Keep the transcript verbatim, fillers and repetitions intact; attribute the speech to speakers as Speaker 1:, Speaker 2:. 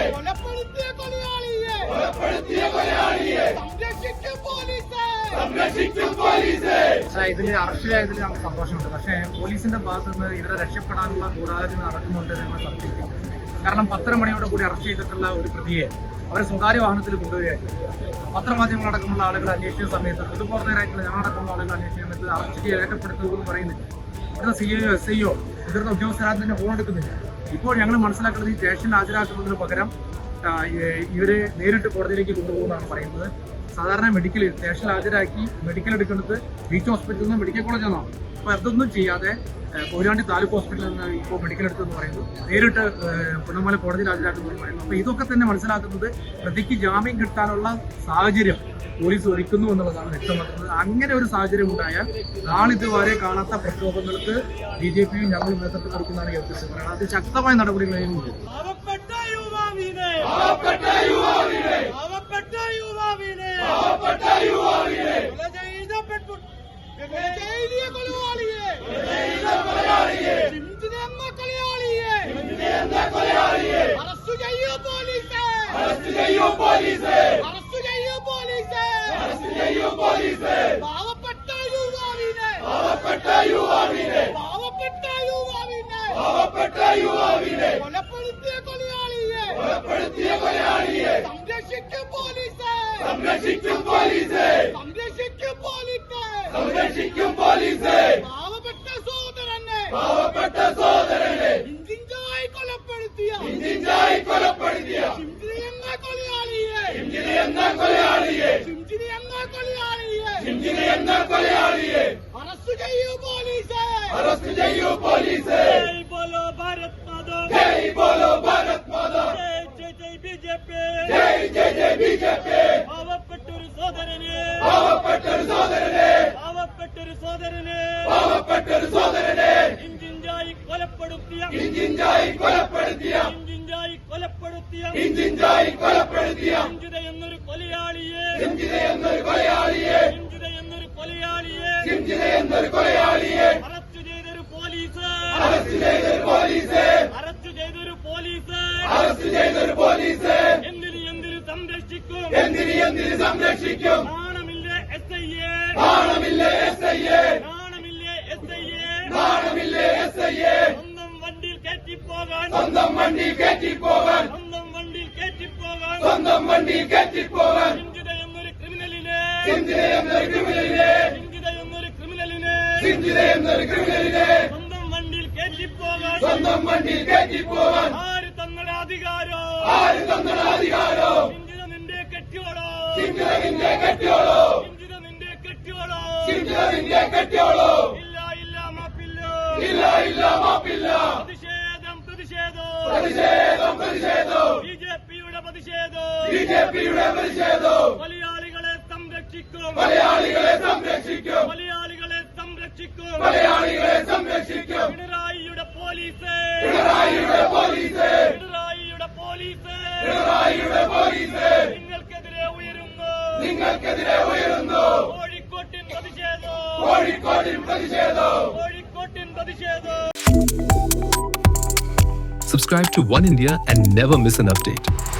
Speaker 1: കൊലപ്പെടുത്തിയ കൊലയാളിയെ കൊലപ്പെടുത്തിയ കൊലയാളിയെ സംരക്ഷിക്കും പോലീസ് സംരക്ഷിക്കും പോലീസ്.
Speaker 2: ഇതിൽ അറസ്റ്റിലായതിൽ നമുക്ക് സന്തോഷമുണ്ട്. പക്ഷേ പോലീസിന്റെ ഭാഗത്ത് നിന്ന് ഇവരെ രക്ഷപ്പെടാനുള്ള ഗൂഢാലോചന നടക്കുന്നുണ്ട് എന്ന് സംശയിക്കും. കാരണം പത്തര മണിയോട് കൂടി അറസ്റ്റ് ചെയ്തിട്ടുള്ള ഒരു പ്രതിയെ അവരെ സ്വകാര്യ വാഹനത്തിൽ കൊണ്ടുവരികയായിരുന്നു. പത്രമാധ്യമങ്ങളടക്കമുള്ള ആളുകൾ അന്വേഷിച്ച സമയത്ത് പൊതുപ്രവർത്തകരായിട്ടുള്ള ഞങ്ങളടക്കമുള്ള ആളുകൾ അന്വേഷിച്ച സമയത്ത് അറസ്റ്റ് രേഖപ്പെടുത്തുമെന്ന് പറയുന്നില്ല. ഇവിടുത്തെ സി ഐ എസ് ഐയോ മുതിർന്ന ഉദ്യോഗസ്ഥരാരും തന്നെ ഫോൺ എടുക്കുന്നില്ല. ഇപ്പോൾ ഞങ്ങൾ മനസ്സിലാക്കുന്നത് ഈ സ്റ്റേഷനിൽ ഹാജരാക്കുന്നതിന് പകരം ഇവരെ നേരിട്ട് കോടതിയിലേക്ക് കൊണ്ടുപോകുമെന്നാണ് പറയുന്നത്. സാധാരണ മെഡിക്കൽ സ്റ്റേഷനിൽ ഹാജരാക്കി മെഡിക്കൽ എടുക്കുന്നത് ബീച്ച് ഹോസ്പിറ്റലിൽ നിന്ന് മെഡിക്കൽ കോളേജിൽ നിന്നാണ്. അപ്പോൾ അതൊന്നും ചെയ്യാതെ കൊയിലാണ്ടി താലൂക്ക് ഹോസ്പിറ്റലിൽ നിന്ന് ഇപ്പോൾ മെഡിക്കൽ എടുത്തെന്ന് പറയുന്നു, നേരിട്ട് പുന്നമല കോടതിയിൽ ഹാജരാക്കുമെന്ന് പറയുന്നു. അപ്പോൾ ഇതൊക്കെ തന്നെ മനസ്സിലാക്കുന്നത് പ്രതിക്ക് ജാമ്യം കിട്ടാനുള്ള സാഹചര്യം പോലീസ് ഒരുക്കുന്നു എന്നുള്ളതാണ് വ്യക്തമാക്കുന്നത്. അങ്ങനെ ഒരു സാഹചര്യം ഉണ്ടായാൽ നാളിതുവരെ കാണാത്ത പ്രക്ഷോഭങ്ങൾക്ക് ബി ജെ പിയും ഞങ്ങളും നേതൃത്വം കൊടുക്കുന്നതാണ് ഈ ഉദ്ദേശം പറയുന്നത്. അത് ശക്തമായ നടപടികളായിരുന്നു.
Speaker 1: പാവപ്പെട്ട യുവാവിനെ പാവപ്പെട്ട യുവാവിനെ പാവപ്പെട്ട യുവാവിനെ പാവപ്പെട്ട യുവാവിനെ കൊലപ്പെടുത്തിയ കൊലയാളിയെ കൊലപ്പെടുത്തിയ കൊലയാളിയെ സംരക്ഷിക്കും പോലീസ് സംരക്ഷിക്കും പോലീസ് സംരക്ഷിക്കും പോലീസ് സംരക്ഷിക്കും പോലീസ്. പാവപ്പെട്ട സഹോദരനെ പാവപ്പെട്ട സഹോദരനെ ഇഞ്ചിഞ്ചായി കൊലപ്പെടുത്തിയ ഇഞ്ചിഞ്ചായി കൊലപ്പെടുത്തിയ ചിഞ്ചിരി എന്ന കൊലയാളിയെ ചിഞ്ചിരി എന്ന കൊലയാളിയെ ചിഞ്ചിരി എന്ന കൊലയാളിയെ ചിഞ്ചിരി എന്ന കൊലയാളിയെ അറസ്റ്റ് ചെയ്യൂ പോലീസ് അറസ്റ്റ് ചെയ്യൂ പോലീസ്. ജയ് ബോലോ ഭാരത് മാതാ ജയ് ബോലോ ഭാരത് മാതാ ജയ് ജയ് ജയ് ബി ജെ പി ജയ് ജയ് ജയ് ബി ജെ പി. പാവപ്പെട്ടൊരു സഹോദരനെ പാവപ്പെട്ടൊരു സഹോദരനെ പാവപ്പെട്ടൊരു സഹോദരനെ പാവപ്പെട്ടൊരു സഹോദരനെ ഇഞ്ചിഞ്ചായി കൊലപ്പെടുത്തിയ ഇഞ്ചിഞ്ചായി കൊലപ്പെടുത്തിയ ഇഞ്ചിഞ്ചായി കൊലപ്പെടുത്തിയ ഇഞ്ചിഞ്ചായി കൊലപ്പെടുത്തിയ ഇഞ്ചിത എന്നൊരു കൊലയാളിയെ ഇഞ്ചിത എന്നൊരു കൊലയാളിയെ ഇഞ്ചിത എന്നൊരു കൊലയാളിയെ ഇഞ്ചിത എന്നൊരു കൊലയാളിയെ അറസ്റ്റ് ചെയ്തൊരു പോലീസ് അറസ്റ്റ് ചെയ്തൊരു പോലീസ് അറസ്റ്റ് ചെയ്തൊരു പോലീസ് അറസ്റ്റ് ചെയ്തൊരു പോലീസ്. എന്തിന് എന്തിന് സംരക്ഷിക്കും എന്തിന് എന്തിന് സംരക്ഷിക്കും. നാണമില്ലേ എസ് ഐ എ നാണമില്ലേ എസ് ഐ എ നാണമില്ലേ എസ് ഐ എ നാണമില്ലേ എസ് ഐ എ. സ്വന്തം വണ്ടിയിൽ കയറ്റിപ്പോകാൻ സ്വന്തം വണ്ടിയിൽ കയറ്റിപ്പോകാൻ സ്വന്തം വണ്ടിയിൽ കയറ്റിപ്പോകാൻ സ്വന്തം വണ്ടിയിൽ കയറ്റിപ്പോകാൻ ചിന്തിത എന്നൊരു ക്രിമിനലിനെ ചിന്തിത എന്നൊരു ക്രിമിനലിനെ ചിന്തിത എന്നൊരു ക്രിമിനലിനെ ചിന്തിത എന്നൊരു ക്രിമിനലിനെ സ്വന്തം വണ്ടിയിൽ കയറ്റിപ്പോകാൻ സ്വന്തം വണ്ടിയിൽ കയറ്റിപ്പോകാൻ ആര് തങ്ങളുടെ അധികാരോ ആര് തങ്ങളുടെ അധികാരോ. ചിന്തിത നിന്റെ കെട്ടിയോളോ ചിന്തിത നിന്റെ കെട്ടിയോളോ ചിന്തിത നിന്റെ കെട്ടിയോളോ ചിന്തിത നിന്റെ കെട്ടിയോളോ. ഇല്ല ഇല്ല മാപ്പില്ല ഇല്ല ഇല്ല മാപ്പില്ല. പ്രതിഷേധം പ്രതിഷേധം പ്രതിഷേധം പ്രതിഷേധം ബി ജെ പിയുടെ പ്രതിഷേധം ബി ജെ പിയുടെ പ്രതിഷേധം. മലയാളികളെ സംരക്ഷിക്കും മലയാളികളെ സംരക്ഷിക്കും മലയാളികളെ സംരക്ഷിക്കും മലയാളികളെ സംരക്ഷിക്കും. പിണറായിയുടെ പോലീസ് പിണറായിയുടെ പോലീസ് പിണറായിയുടെ പോലീസ് പിണറായിയുടെ പോലീസ്. നിങ്ങൾക്കെതിരെ ഉയരുന്നു നിങ്ങൾക്കെതിരെ ഉയരുന്നു കോഴിക്കോട്ടിൻ പ്രതിഷേധം കോഴിക്കോട്ടിൻ പ്രതിഷേധം കോഴിക്കോട്ടിൻ പ്രതിഷേധം.
Speaker 3: Subscribe to One India and never miss an update.